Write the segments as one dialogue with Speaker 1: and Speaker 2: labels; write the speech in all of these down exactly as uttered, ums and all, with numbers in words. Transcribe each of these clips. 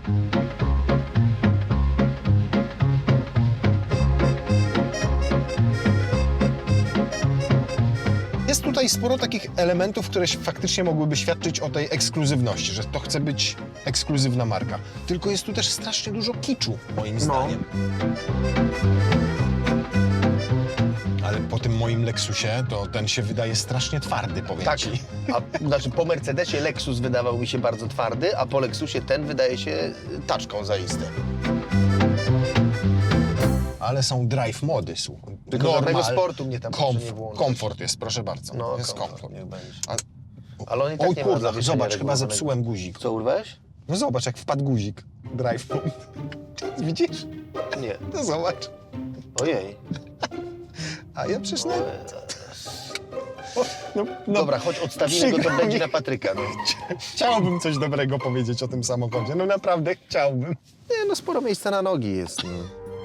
Speaker 1: Jest tutaj sporo takich elementów, które faktycznie mogłyby świadczyć o tej ekskluzywności, że to chce być ekskluzywna marka. Tylko jest tu też strasznie dużo kiczu, moim zdaniem. Ale po tym moim Lexusie, to ten się wydaje strasznie twardy, powiem
Speaker 2: Tak,
Speaker 1: ci.
Speaker 2: a, znaczy po Mercedesie Lexus wydawał mi się bardzo twardy, a po Lexusie ten wydaje się taczką zaiste.
Speaker 1: Ale są drive mody, słuchaj.
Speaker 2: Tylko żadnego sportu mnie tam proszę nie
Speaker 1: komf
Speaker 2: włączać.
Speaker 1: komfort jest, proszę bardzo.
Speaker 2: No,
Speaker 1: jest
Speaker 2: komfort,
Speaker 1: komfort.
Speaker 2: niech będzie.
Speaker 1: A,
Speaker 2: Ale on i tak
Speaker 1: oj
Speaker 2: nie ma
Speaker 1: kurde,
Speaker 2: zawieszenia
Speaker 1: zobacz, chyba
Speaker 2: regulowanego.
Speaker 1: zepsułem guzik.
Speaker 2: Co, urwałeś?
Speaker 1: No zobacz, jak wpadł guzik. Drive mode. Widzisz?
Speaker 2: Nie.
Speaker 1: No zobacz.
Speaker 2: Ojej.
Speaker 1: A ja przecież... Na... No, no,
Speaker 2: Dobra, chodź odstawimy go,
Speaker 1: przykro
Speaker 2: to będzie
Speaker 1: mi.
Speaker 2: na Patryka. No.
Speaker 1: Chciałbym coś dobrego powiedzieć o tym samochodzie. No naprawdę chciałbym.
Speaker 2: Nie, no sporo miejsca na nogi jest. No.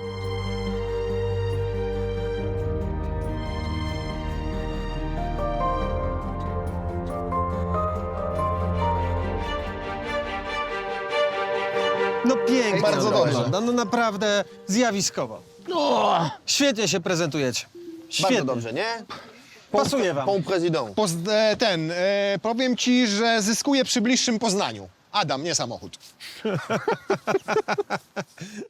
Speaker 3: No pięknie
Speaker 1: Bardzo
Speaker 3: to
Speaker 1: dobrze.
Speaker 3: wygląda, no naprawdę zjawiskowo. Świetnie się prezentujecie. Świetnie.
Speaker 2: Bardzo dobrze, nie?
Speaker 3: Pasuje wam.
Speaker 2: Pan prezydent.
Speaker 1: Poz- e, ten, e, powiem ci, że zyskuje przy bliższym poznaniu. Adam, nie samochód.